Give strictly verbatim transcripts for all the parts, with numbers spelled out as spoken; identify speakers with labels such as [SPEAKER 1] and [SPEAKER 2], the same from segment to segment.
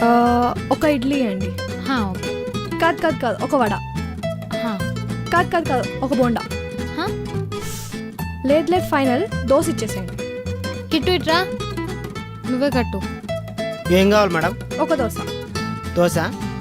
[SPEAKER 1] ఒక ఇడ్లీ అండి.
[SPEAKER 2] ఓకే.
[SPEAKER 1] కాదు కాదు కాదు ఒక వడ. కాదు కాదు కాదు ఒక బోండా. లేదు లేదు ఫైనల్ దోశ ఇచ్చేసేయండి.
[SPEAKER 2] కిట్టు ఇట్రా, నువ్వే కట్టు.
[SPEAKER 3] ఏం కావాలి మేడం?
[SPEAKER 1] ఒక దోశ.
[SPEAKER 3] దోశ.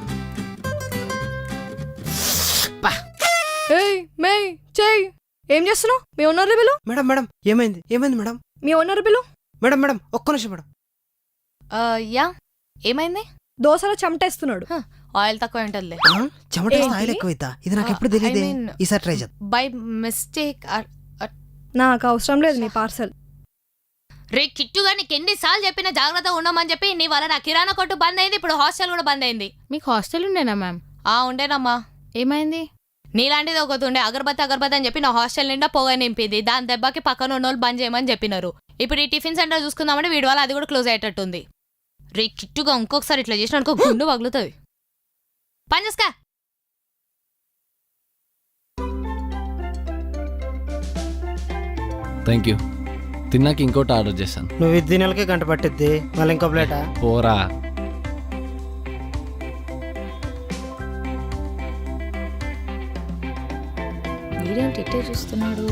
[SPEAKER 1] ఏయ్ మే చెయ్, ఏం చేస్తున్నావు? మీ ఓనర్ బిలు.
[SPEAKER 3] మేడం మేడం ఏమైంది ఏమైంది మేడం?
[SPEAKER 1] మీ ఓనర్ బిలు.
[SPEAKER 3] మేడం మేడం ఒక్క నిమిషం మేడం.
[SPEAKER 4] యా ఏమైంది?
[SPEAKER 1] దోశలో చెమటేస్తున్నాడు.
[SPEAKER 4] ఆయిల్ తక్కువ ఉంటుందిలే.
[SPEAKER 3] చెమట ఆయిల్ ఎక్కువైతా, ఇది నాకు ఎప్పుడు తెలియదు. ఈసారి ట్రై చేద్దాం.
[SPEAKER 4] By mistake.
[SPEAKER 1] నాకు అవసరం లేదు నీ పార్సల్.
[SPEAKER 4] రే కిట్టుగా నీకు ఎన్నిసార్లు చెప్పిన జాగ్రత్త ఉండమని చెప్పి నీ వల్ల నా కిరాణా కొట్టు బంద్ అయింది, ఇప్పుడు హాస్టల్ కూడా బంద్ అయింది.
[SPEAKER 2] మీకు హాస్టల్ ఉండేనా మ్యామ్?
[SPEAKER 4] ఆ ఉండేనమ్మా.
[SPEAKER 2] ఏమైంది?
[SPEAKER 4] నీలాంటిది ఒకటి ఉండే అగరబత్తి అగరబత్తి అని చెప్పి నా హాస్టల్ నిండా పొగ నింపింది. దాని దెబ్బకి పక్కన ఉన్న వాళ్ళు బంద్ చేయమని చెప్పినారు. ఇప్పుడు ఈ టిఫిన్ సెంటర్ చూసుకుందామంటే వీడి వల్ల అది కూడా క్లోజ్ అయ్యేటట్టుంది. రే కిట్టుగా ఇంకొకసారి ఇట్లా చేసిన అనుకో గుండు పగులుతుంది. పని చేసుకా.
[SPEAKER 5] Thank you. తిన్నాక ఇంకోటి ఆర్డర్ చేశాను.
[SPEAKER 3] నువ్వు ఇది నెలకే గంట పట్టిద్ది, మళ్ళీ ఇంకో ప్లేటా?
[SPEAKER 5] పోరా.
[SPEAKER 4] వీడేంటి ఇట్టే చూస్తున్నాడు?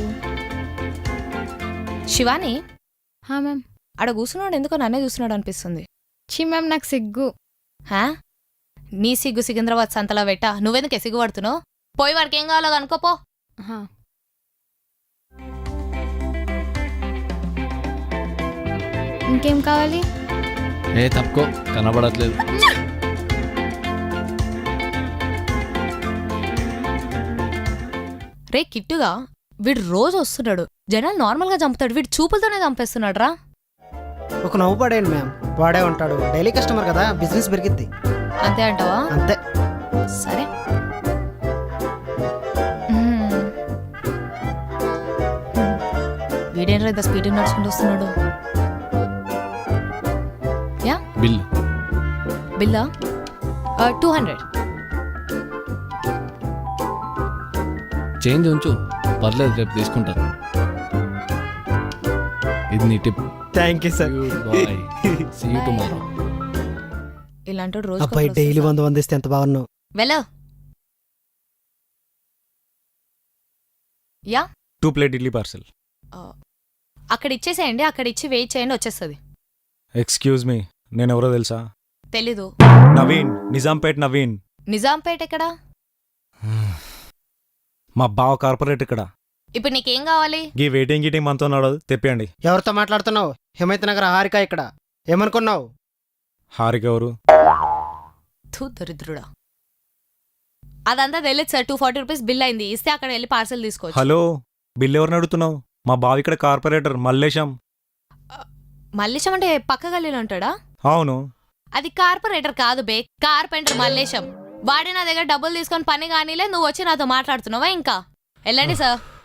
[SPEAKER 4] శివాని
[SPEAKER 2] హా మ్యామ్.
[SPEAKER 4] ఆడ కూర్చున్నాడు ఎందుకో నన్నే చూస్తున్నాడు అనిపిస్తుంది.
[SPEAKER 2] చి మ్యామ్ నాకు సిగ్గు.
[SPEAKER 4] హా నీ సిగ్గు సికింద్రాబాద్ సంతలో పెట్ట, నువ్వెందుకే సిగ్గు పడుతున్నావు? పోయి వాడికి ఏం కావాలో అనుకోపో.
[SPEAKER 2] ఇంకేం కావాలి?
[SPEAKER 5] ఏ తప్పుకో, కనబడట్లేదు.
[SPEAKER 4] రే కిట్టుగా వీడు రోజు వస్తున్నాడు, జనాలు నార్మల్గా చంపుతాడు, వీడు చూపులతోనే చంపేస్తున్నాడు రా.
[SPEAKER 3] ఒక నవ్వు పడేయండి మ్యామ్, వాడే ఉంటాడు, డైలీ కస్టమర్ కదా, బిజినెస్ పెరిగిద్ది.
[SPEAKER 4] అంతే అంటావా?
[SPEAKER 3] అంతే.
[SPEAKER 4] సరే. వీడేంట్రా ఇంత స్పీడ్ నడుచుకుంటూ వస్తున్నాడు? Yeah
[SPEAKER 5] bill.
[SPEAKER 4] బిల్లా? Two hundred.
[SPEAKER 5] చేంజ్ ఉంచు, పర్లేదు, రేపు తీసుకుంటాను. ఇది నీ tip.
[SPEAKER 3] Thank you sir.
[SPEAKER 5] Bye, see you tomorrow.
[SPEAKER 4] ఇలాంటి రోజు
[SPEAKER 3] అబ్బాయి డైలీ వంద వందిస్తే ఎంత బాగున్నావు.
[SPEAKER 4] వెళ్ళ. Yeah
[SPEAKER 6] two plate idli parcel.
[SPEAKER 4] అక్కడ ఇచ్చేసేయండి, అక్కడ ఇచ్చి వెయిట్ చేయండి, వచ్చేస్తుంది.
[SPEAKER 6] ఎక్స్క్యూజ్ మీ, నేను ఎవరో తెలుసా?
[SPEAKER 4] తెలీదు.
[SPEAKER 6] నవీన్, నిజాంపేట్ నవీన్.
[SPEAKER 4] నిజాంపేట ఎక్కడా?
[SPEAKER 6] మా బావ కార్పొరేట్ ఇక్కడ.
[SPEAKER 4] ఇప్పుడు నీకేం కావాలి?
[SPEAKER 6] ఈ వెయిటింగ్ గీటింగ్ మనతో నడవదు, తెప్పియండి.
[SPEAKER 3] ఎవరితో మాట్లాడుతున్నావు? హిమైత్ నగర్ హారిక ఇక్కడ. ఏమనుకున్నావు?
[SPEAKER 6] హారిక ఎవరు?
[SPEAKER 4] థూ దరిద్రుడా. అదంతా తెలియదు sir, two forty rupees bill అయింది, ఇస్తే అక్కడ వెళ్ళి పార్సల్ తీసుకోవచ్చు.
[SPEAKER 6] హలో, బిల్ ఎవరిని అడుగుతున్నావు? మా బావ ఇక్కడ కార్పొరేటర్ మల్లేశం.
[SPEAKER 4] మల్లేశం అంటే పక్క గల్లీలో ఉంటాడా?
[SPEAKER 6] అవును.
[SPEAKER 4] అది కార్పొరేటర్ కాదు బే, కార్పెంటర్ మల్లేశం. వాడే నా దగ్గర డబ్బులు తీసుకొని పని కానీలే, నువ్వు వచ్చి నాతో మాట్లాడుతున్నావా? ఇంకా వెళ్ళండి సార్.